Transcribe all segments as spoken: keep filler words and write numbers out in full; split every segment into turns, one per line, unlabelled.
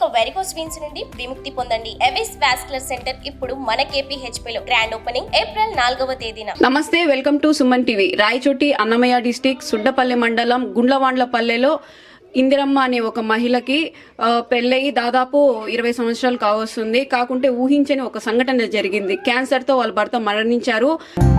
ఇక varicose veins నుండి విముక్తి పొందండి. ఎవిస్ వాస్కులర్ సెంటర్ ఇప్పుడు మన కేపీహెచ్పీ లో గ్రాండ్ ఓపెనింగ్ ఏప్రిల్ నాలుగవ తేదీన.
నమస్తే, welcome to Suman TV. Rayachoti Annamayya district Suddapalli మండలం గుండ్లవాండ్లపల్లెలో ఇందిరమ్మ అనే ఒక మహిళకి పెళ్ళయి దాదాపు ఇరవై సంవత్సరాలు కావస్తుంది. కాకుంటే ఊహించని ఒక సంఘటన జరిగింది. క్యాన్సర్తో వాళ్ళ భర్త మరణించారు.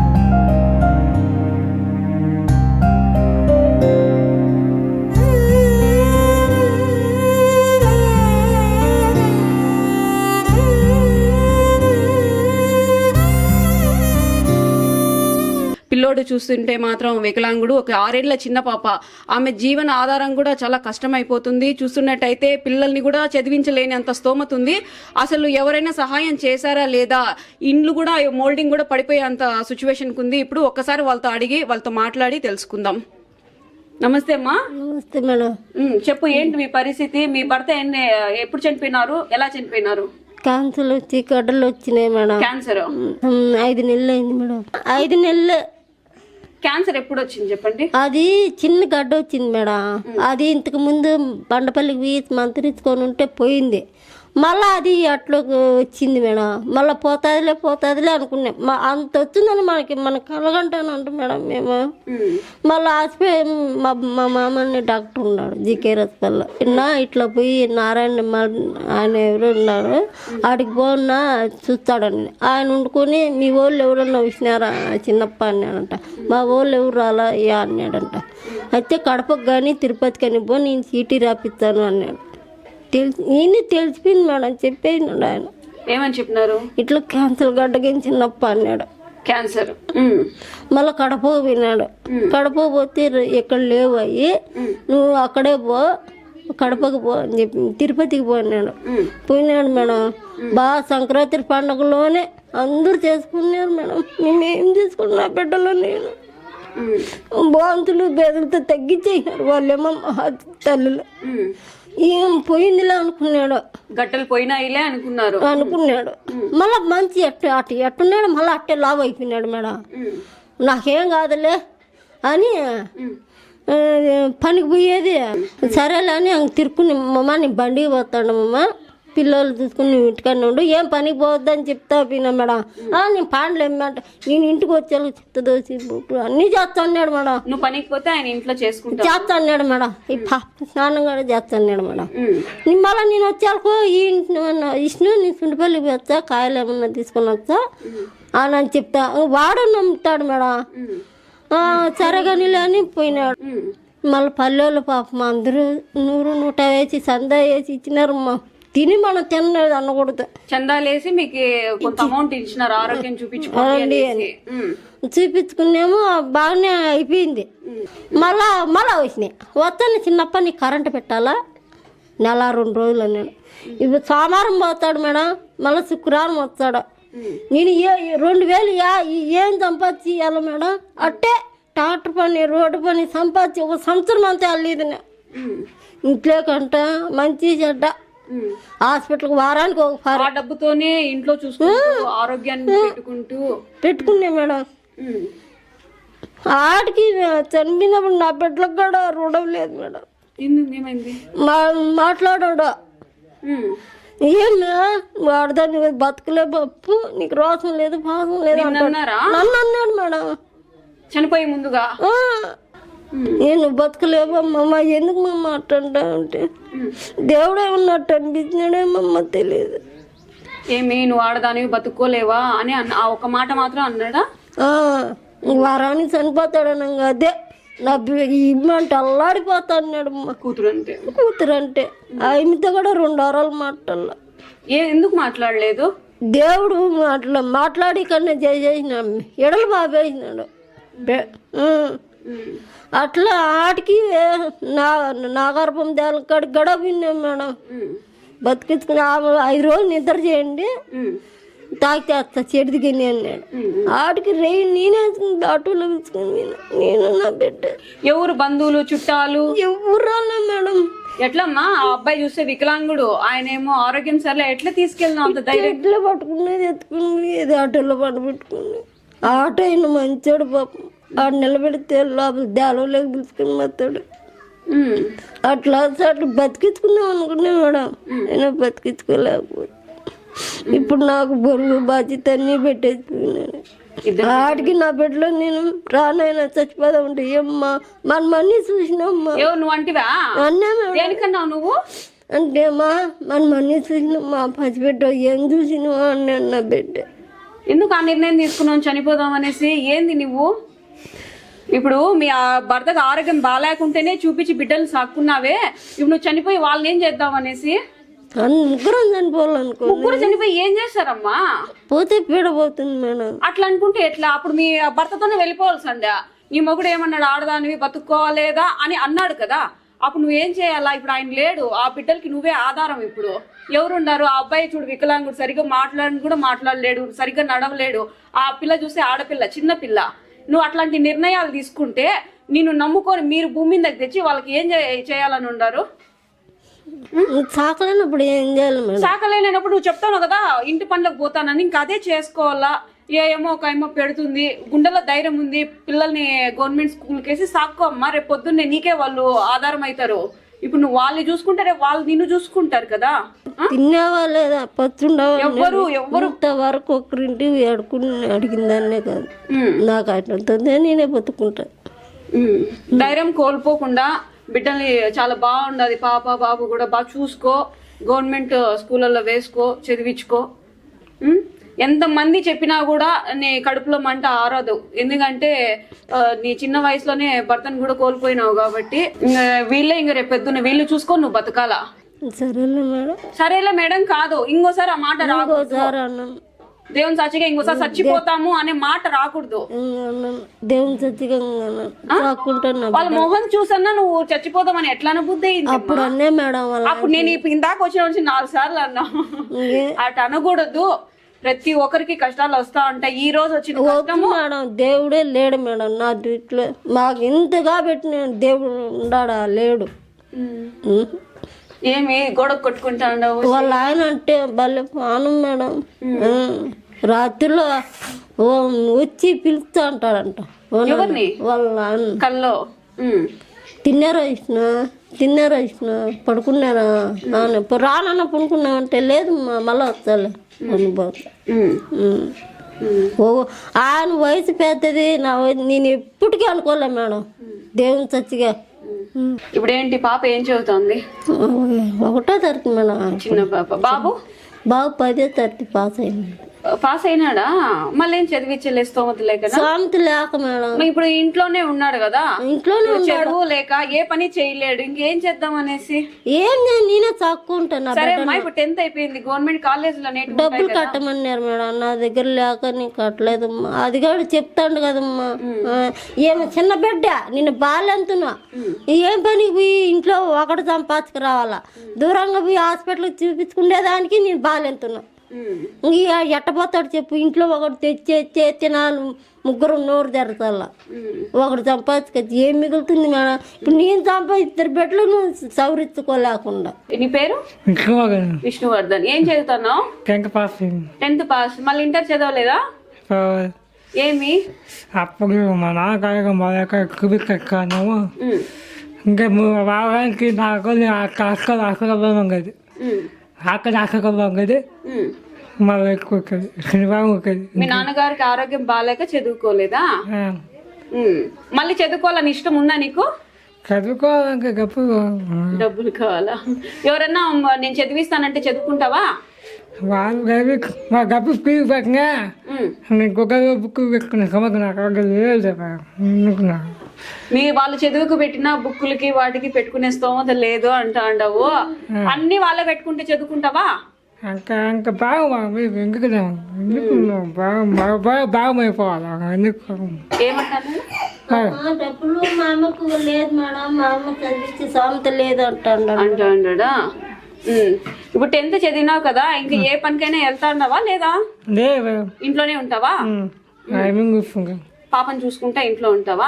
పిల్లోడు చూస్తుంటే మాత్రం వికలాంగుడు, ఒక ఆరేళ్ల చిన్న పాప. ఆమె జీవన ఆధారం కూడా చాలా కష్టమైపోతుంది. చూస్తున్నట్టయితే పిల్లల్ని కూడా చదివించలేని అంత స్తోమత ఉంది. అసలు ఎవరైనా సహాయం చేశారా లేదా, ఇండ్లు కూడా మోల్డింగ్ కూడా పడిపోయే అంత సిచ్యువేషన్కి ఉంది. ఇప్పుడు ఒక్కసారి వాళ్ళతో అడిగి వాళ్ళతో మాట్లాడి తెలుసుకుందాం. నమస్తే అమ్మా.
నమస్తే మేడం.
చెప్పు, ఏంటి మీ పరిస్థితి? మీ భర్త ఎన్ని ఎప్పుడు చనిపోయినారు, ఎలా చనిపోయినారు?
క్యాన్సర్ వచ్చి గడ్డలు వచ్చినాయి మేడం.
క్యాన్సర్
ఐదు నెలలు అయింది మేడం. ఐదు నెలలు.
క్యాన్సర్ ఎప్పుడు వచ్చింది చెప్పండి?
అది చిన్న గడ్డ వచ్చింది మేడం. అది ఇంతకు ముందు బండపల్లికి పోయి మంత్రించుకొని ఉంటే పోయింది. మళ్ళీ అది అట్లా వచ్చింది మేడం. మళ్ళీ పోతాదిలే పోతాదిలే అనుకున్నాం. మా అంత వచ్చిందని మనకి మన కలగంటాను అంట మేడం. మేము మళ్ళీ హాస్పిటల్ మా మా మామని డాక్టర్ ఉన్నాడు జీకే హాస్పిటల్లో. ఇన్నా ఇట్లా పోయి నారాయణ ఆయన ఎవరు ఉన్నారు, ఆడికి పోన్నా చూస్తాడని ఆయన వండుకొని మీ వాళ్ళు ఎవరన్నా వచ్చినారా చిన్నప్ప అన్నాడంట. మా వాళ్ళు ఎవరు రాలా అయ్యా అన్నాడంట. అయితే కడపకు కానీ తిరుపతి కానీ పో, నేను చీటీ రాపిస్తాను అన్నాడు. తెలిసి ఈయన తెలిసిపోయింది మేడం. చెప్పేసినాడు ఆయన.
ఏమని చెప్పినారు? ఇట్లా
క్యాన్సర్ గడ్డకి చిన్నప్ప అన్నాడు.
క్యాన్సర్.
మళ్ళీ కడప పోయినాడు. కడప పోతే ఎక్కడ లేవు అయ్యి, నువ్వు అక్కడే పో, కడపకు పో అని చెప్పి తిరుపతికి పోయినాడు. పోయినాడు మేడం. బాగా సంక్రాంతి పండుగలోనే అందరూ చేసుకున్నారు మేడం. మేమేం చేసుకున్నా బిడ్డలో నేను బాంతులు బేదలతో తగ్గించేసినారు వాళ్ళేమో తల్లులు. ఏం పోయిందిలే అనుకున్నాడు.
గట్టలు పోయినా ఇలే అనుకున్నారు
అనుకున్నాడు. మళ్ళీ మంచి ఎట్టు అటు ఎట్టున్నాడు. మళ్ళీ అట్టే లావ్ అయిపోయినాడు మేడం. నాకేం కాదులే అని పనికి పోయేది. సరేలే అని తిరుక్కుని మమ్మ నీ బండికి పోతాడు మమ్మ, పిల్లలు చూసుకుని నువ్వు ఇంటికన్నా ఉండు, ఏం పనికి పోవద్దని చెప్తా పోయినా మేడం. నేను పాండ్లు ఏమంట నేను ఇంటికి వచ్చేలా చెత్త దోసి బుట్లు అన్నీ చేస్తా అన్నాడు మేడం.
నువ్వు పనికి పోతే ఆయన ఇంట్లో చేసుకుంటా
చేస్తా అన్నాడు మేడం. ఈ పాప స్నానం కూడా చేస్తా అన్నాడు మేడం. మళ్ళీ నేను వచ్చాకు ఈ ఇంటి ఇష్ను నేను సుండిపల్లికి వచ్చా, కాయలు ఏమన్నా తీసుకొని వచ్చా అని అని చెప్తా. వాడు నమ్ముతాడు మేడం. సరే కానీ అని పోయినాడు. మళ్ళీ పల్లెళ్ళు పాపం అందరూ నూరు నూట వేసి సందా వేసి ఇచ్చినారు. మా తిని మనం తినలేదు అనకూడదు.
చందాలేసి మీకు కొంత అమౌంట్ ఇచ్చినారు ఆరోగ్యం చూపించుకోండి అని.
చూపించుకున్నాము, బాగానే అయిపోయింది. మళ్ళా మళ్ళా వచ్చినాయి. వస్తాను చిన్నప్ప నీకు కరెంటు పెట్టాలా నెల రెండు రోజులు అన్నాడు. ఇప్పుడు సోమవారం పోతాడు మేడం, మళ్ళీ శుక్రవారం వస్తాడు. నేను ఏ రెండు వేలు ఏం సంపాదించి ఇవ్వాలి మేడం? అట్టే ట్రాక్టర్ పని రోడ్డు పని సంపాదించి ఒక సంవత్సరం అంతా వెళ్ళేది. ఇంట్లో కంట మంచి చెడ్డ హాస్పిటల్కి వారానికి ఒక
డబ్బుతోనే ఇంట్లో చూసుకుంటూ ఆరోగ్యాన్ని పెట్టుకుంటూ
పెట్టుకున్నా మేడం. ఆడికి చనిపోయినప్పుడు నా బిడ్డలకు కూడా రుణం లేదు మేడం. మా మాట్లాడాడు ఏమన్నా వాడదాన్ని బతకలే పప్పు, నీకు రోసం లేదు పాసం లేదు అంటాడు. నన్ను అన్నాడు మేడం
చనిపోయే ముందుగా.
నేను బతకలేమమ్మ, ఎందుకు మమ్మ అట్టంటా అంటే దేవుడే ఉన్నట్టు అనిపించినాడేమమ్మ తెలియదు.
ఏమి నువ్వు ఆడదానివి బతుక్కోలేవా అని ఆ ఒక మాట మాత్రం అన్నాడా?
వారానికి చనిపోతాడనంగా అదే నా ఇమ్మంటే అల్లాడిపోతా అన్నాడు.
కూతురు అంటే
కూతురు అంటే ఆమెతో కూడా రెండు వారాలు మాట్లాడలా.
ఏ ఎందుకు మాట్లాడలేదు?
దేవుడు మాట్లా మాట్లాడి కన్నా చేసేసిన ఎడలు బాబేసినాడు. అట్లా ఆటికి నా నా గర్భం దేలకాడికి గడవ విన్నాం మేడం. బతికించుకుని ఐదు రోజులు నిద్ర చేయండి, తాగితే వస్తా చెడిదిగిని అన్నాడు. ఆడికి రే నేనే ఆటోలో పిలుచుకుని నేను నా బిడ్డ.
ఎవరు బంధువులు చుట్టాలు
ఎవరు రాలే మేడం.
ఎట్లమ్మా ఆ అబ్బాయి చూస్తే వికలాంగుడు, ఆయన ఏమో ఆరోగ్యం సరే ఎట్లా తీసుకెళ్ళినా అంత ధైర్యం?
ఎట్లా పట్టుకునేది ఎత్తుకుని ఏది ఆటోలో పట్టు పెట్టుకుని. ఆటో అయిన మంచోడు పాపం. ఆడు నిలబెడితే లోపల దేవలోకి పిలుచుకుని వస్తాడు.
ఉమ్.
అట్లా అట్లా బతికించుకుందాం అనుకున్నా మేడం, నేను బతికించుకోలేకపోతే ఇప్పుడు నాకు బరువు బాధ్యత అన్నీ పెట్టేసుకున్నాను. ఆడికి నా బిడ్డలో నేను రానైనా చచ్చిపోదా ఉంటే ఏమ్మా మన మనీ చూసినమ్మా
ఎవరు నువ్వు అంటివా?
అన్నా మేడం.
దేనికన్నావు నువ్వు?
అంటే మా మన మనీ చూసినమ్మా పసిబిడ్డ ఏం చూసినవా అన్నాడు నా బిడ్డ.
ఎందుకు ఆ నిర్ణయం తీసుకున్నావు చనిపోదాం అనేసి? ఏంది నువ్వు ఇప్పుడు మీ ఆ భర్తకు ఆరోగ్యం బాగాలేకుంటేనే చూపించి బిడ్డలు సాక్కున్నావే, ఇప్పుడు నువ్వు చనిపోయి వాళ్ళని ఏం చేద్దాం అనేసి?
ముగ్గురం చనిపోవాలనుకో.
ముగ్గురు చనిపోయి ఏం చేస్తారమ్మా?
పోతే పీడపోతుంది మేడం.
అట్లా అనుకుంటే ఎట్లా? అప్పుడు మీ భర్తతోనే వెళ్ళిపోవాల్సిందా? నీ మొగుడు ఏమన్నాడు, ఆడదానివి బతుక్కోవాలేదా అని అన్నాడు కదా, అప్పుడు నువ్వేం చేయాలా? ఇప్పుడు ఆయన లేడు, ఆ బిడ్డలకి నువ్వే ఆధారం. ఇప్పుడు ఎవరున్నారు? ఆ అబ్బాయి చూడు వికలాంగుడు, సరిగ్గా మాట్లాడని కూడా మాట్లాడలేడు, సరిగ్గా నడవలేడు. ఆ పిల్ల చూస్తే ఆడపిల్ల, చిన్న పిల్ల. నువ్వు అట్లాంటి నిర్ణయాలు తీసుకుంటే నిన్ను నమ్ముకొని మీరు భూమి దగ్గర తెచ్చి వాళ్ళకి ఏం చేయాలని ఉండారు?
సాకలేనప్పుడు ఏం చేయాలి మేడం?
సాకలేనప్పుడు నువ్వు చెప్తావు కదా ఇంటి పనులకు పోతానని, ఇంకా అదే చేసుకోవాలా? ఏమో ఒక ఏమో పెడుతుంది, గుండెలో ధైర్యం ఉంది, పిల్లల్ని గవర్నమెంట్ స్కూల్కి వేసి సాక్కో అమ్మా, రేపు పొద్దున్నే నీకే వాళ్ళు ఆధారం అవుతారు. ఇప్పుడు నువ్వు వాళ్ళని చూసుకుంటే రేపు వాళ్ళు నిన్ను చూసుకుంటారు కదా.
తిన్నావా లేదా పచ్చుండవా?
ఎవ్వరు ఎవ్వరు
వరకు ఒకరింటి అడుకుని అడిగిందాన్నే కాదు, నాకు అట్లా నేనే బతుకుంటా.
ధైర్యం కోల్పోకుండా బిడ్డల్ని చాలా బాగుండదు, పాప బాబు కూడా బాగా చూసుకో, గవర్నమెంట్ స్కూళ్ళల్లో వేసుకో, చదివించుకో. ఎంతమంది చెప్పినా కూడా నీ కడుపులో మంట ఆరదు, ఎందుకంటే నీ చిన్న వయసులోనే భర్తను కూడా కోల్పోయినావు కాబట్టి. వీళ్ళే ఇంక రేపు పెద్దున్న వీళ్ళు చూసుకో, నువ్వు బతకాలా.
సరేలే మేడం.
సరేలే మేడం కాదు, ఇంకోసారి ఆ మాట రాకూడదు. దేవుని సాక్షిగా ఇంకోసారి చచ్చిపోతాము అనే మాట రాకూడదు.
దేవుని సాక్షిగా
వాళ్ళ మొహం చూసన్నా నువ్వు చచ్చిపోతామని ఎట్లా బుద్ధి అయింది
అప్పుడు అన్నే మేడం.
అప్పుడు నేను ఇందాక వచ్చిన నుంచి నాలుగు సార్లు అన్నా, అటు అనకూడదు. ప్రతి ఒక్కరికి కష్టాలు వస్తా ఉంటాయి. ఈ రోజు వచ్చిన కష్టము
మేడం, దేవుడే లేడు మేడం నా దృష్టిలో. మాకు ఇంతగా పెట్టిన దేవుడు ఉన్నాడా? లేడు.
ఏమి గొడవ కొట్టుకుంటా ఉండవు?
వాళ్ళ ఆయన అంటే భలే పానం మేడం. రాత్రిలో వచ్చి పిలుస్తా అంటాడంట
ఎవరిని?
వాళ్ళ ఆయన.
కల్లో
తిన్నారా ఇచ్చిన తిన్నారా ఇచ్చిన పడుకున్నారా రానన్న పడుకున్నామంటే లేదు మళ్ళీ వస్తాలే అనుభవం. ఓ ఆయన వయసు పెద్దది, నా వయసు నేను ఎప్పటికీ అనుకోలే మేడం. దేవుని చచ్చిగా.
ఇప్పుడు ఏంటి పాప ఏం చదువుతుంది?
ఒకటో తరగతి మేడం.
చిన్న పాప. బాబు?
బాబు పదో తరగతి పాస్ అయింది.
పాస్ అయినాడా? మళ్ళీ ఏం చదివించలే స్తోమత లేక?
స్తోమత లేక మేడం.
ఇప్పుడు ఇంట్లోనే ఉన్నాడు కదా,
ఇంట్లోనే
చదువు లేక ఏ పని చేయలేడు, ఇంకేం చేద్దాం అనేసి.
ఏం నేనే చక్కుంటాను.
సరే అమ్మా, ఇప్పుడు టెన్త్ అయిపోయింది, గవర్నమెంట్ కాలేజ్ లో
డబ్బులు కట్టమన్నారు మేడం. నా దగ్గర లేక నీకు కట్టలేదమ్మా. అది కూడా చెప్తాడు కదమ్మా, ఏమో చిన్న బిడ్డ నిన్ను బాగాలేంతున్నా ఏం పనికి పోయి ఇంట్లో ఒకటి సంపాదించుకు రావాలా, దూరంగా పోయి హాస్పిటల్కి చూపించుకునేదానికి నేను బాగాలేంతున్నా. ఇక ఎట్టపోతాడు చెప్పు, ఇంట్లో ఒకటి తెచ్చి తినాలి, ముగ్గురు నోరు తెరచాల, ఒకటి సంపాదించుకొచ్చి ఏం మిగులుతుంది మేడం? ఇప్పుడు నేను సంపాదిస్తారు బిడ్డలు నువ్వు సవరించుకోలేకుండా.
నీ పేరు? విష్ణువర్ధన్. ఏం చదువుతున్నావు?
Tenth pass.
Tenth pass. మళ్ళీ ఇంటర్ చదవలేదా? ఏమి?
అప్పుడు మా నాన్నగారు మా యొక్క కుబిక్కాను ఇంకా వారానికి నాకు అక్కడ అక్కడ కదా, అక్కడ అక్కడ కదా మళ్ళీ ఎక్కువ శనివారం ఒకది.
మీ నాన్నగారికి ఆరోగ్యం బాగాలేక చదువుకోలేదా? మళ్ళీ చదువుకోవాలని ఇష్టం ఉందా నీకు?
చదువుకోవాలంటే డబ్బులు
డబ్బులు కావాలా? ఎవరన్నా నేను చదివిస్తానంటే చదువుకుంటావా?
వాళ్ళు మా డబ్బు ఫీజు పెట్టినా నేను కుక్కర్ బుక్ పెట్టుకున్న సమస్య నాకు లేదు.
మీ వాళ్ళు చదువుకు పెట్టిన బుక్కులకి వాటికి పెట్టుకునే స్తోమత లేదు అంటా అంటావు. అన్ని వాళ్ళే పెట్టుకుంటే చదువుకుంటావా?
ఇంకా ఇంకా బాగా ఎందుకు ఎందుకు బాగా బాగా బాగమైపోవాలి ఎందుకు
ఏమంటారు?
డబ్బులు మా అమ్మకు లేదు మేడం, మా అమ్మ చదివించి సామెత లేదు అంటాడు
అంటా అంటాడా? ఇప్పుడు టెన్త్ చదివినావు కదా, ఇంకా ఏ పనికైనా వెళ్తా ఉన్నావా లేదా? ఇంట్లోనే ఉంటావా? పాపని చూసుకుంటా ఇంట్లో ఉంటావా?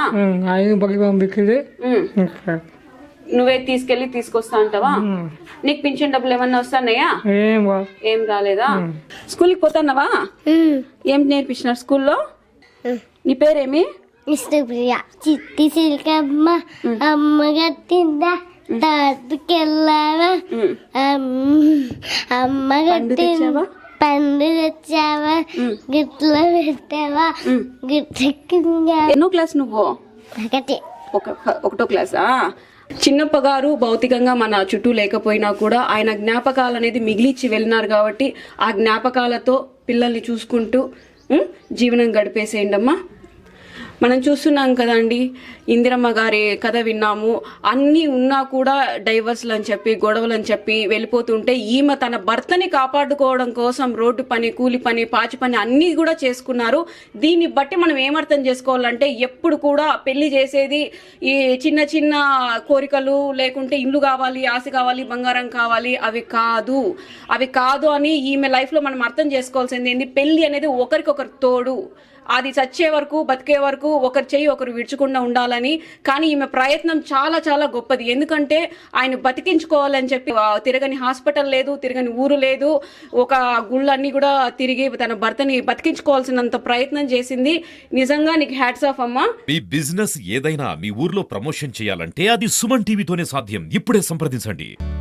నువ్వే తీసుకెళ్లి తీసుకొస్తా అంటావా? నీకు పింఛన్ డబ్బులు ఏమన్నా వస్తున్నాయా? ఏం రాలేదా? స్కూల్కి పోతున్నావా? ఏం నేర్పించినారు స్కూల్లో? నీ పేరేమి?
విష్ణుప్రియ చిట్టి సిల్కమ్మ అమ్మ గట్టిందా తాతకెళ్ళావా అమ్మ గట్టిందా పండు తెచ్చావా గిట్ల పెట్టావా గిట్ల
ఎన్నో క్లాస్ నువ్వు?
ఒకటి
ఒక ఒకటో క్లాసా? చిన్నప్ప గారు భౌతికంగా మన చుట్టూ లేకపోయినా కూడా ఆయన జ్ఞాపకాలు అనేది మిగిలిచ్చి వెళ్ళినారు కాబట్టి ఆ జ్ఞాపకాలతో పిల్లల్ని చూసుకుంటూ ఉం, జీవనం గడిపేసేయండి అమ్మా. మనం చూస్తున్నాం కదండి, ఇందిరమ్మ గారి కథ విన్నాము. అన్నీ ఉన్నా కూడా డైవర్స్లు అని చెప్పి గొడవలు అని చెప్పి వెళ్ళిపోతుంటే ఈమె తన భర్తని కాపాడుకోవడం కోసం రోడ్డు పని, కూలి పని, పాచి పని అన్నీ కూడా చేసుకున్నారు. దీన్ని బట్టి మనం ఏమర్థం చేసుకోవాలంటే ఎప్పుడు కూడా పెళ్లి చేసేది ఈ చిన్న చిన్న కోరికలు లేకుంటే ఇల్లు కావాలి, ఆశ కావాలి, బంగారం కావాలి, అవి కాదు అవి కాదు అని ఈమె లైఫ్లో మనం అర్థం చేసుకోవాల్సింది ఏంది, పెళ్లి అనేది ఒకరికొకరు తోడు. అది చచ్చే వరకు బతికే వరకు ఒకరు చెయ్యి ఒకరు విడుచకుండా ఉండాలని. కానీ ఈమె ప్రయత్నం చాలా చాలా గొప్పది. ఎందుకంటే ఆయన బతికించుకోవాలని చెప్పి తిరగని హాస్పిటల్ లేదు, తిరగని ఊరు లేదు, ఒక గుళ్ళన్నీ కూడా తిరిగి తన భర్తని బతికించుకోవాల్సినంత ప్రయత్నం చేసింది. నిజంగా నీకు హ్యాట్స్ ఆఫ్ అమ్మా.
మీ బిజినెస్ ఏదైనా మీ ఊర్లో ప్రమోషన్ చేయాలంటే అది సుమన్ టీవీతోనే సాధ్యం. ఇప్పుడే సంప్రదించండి.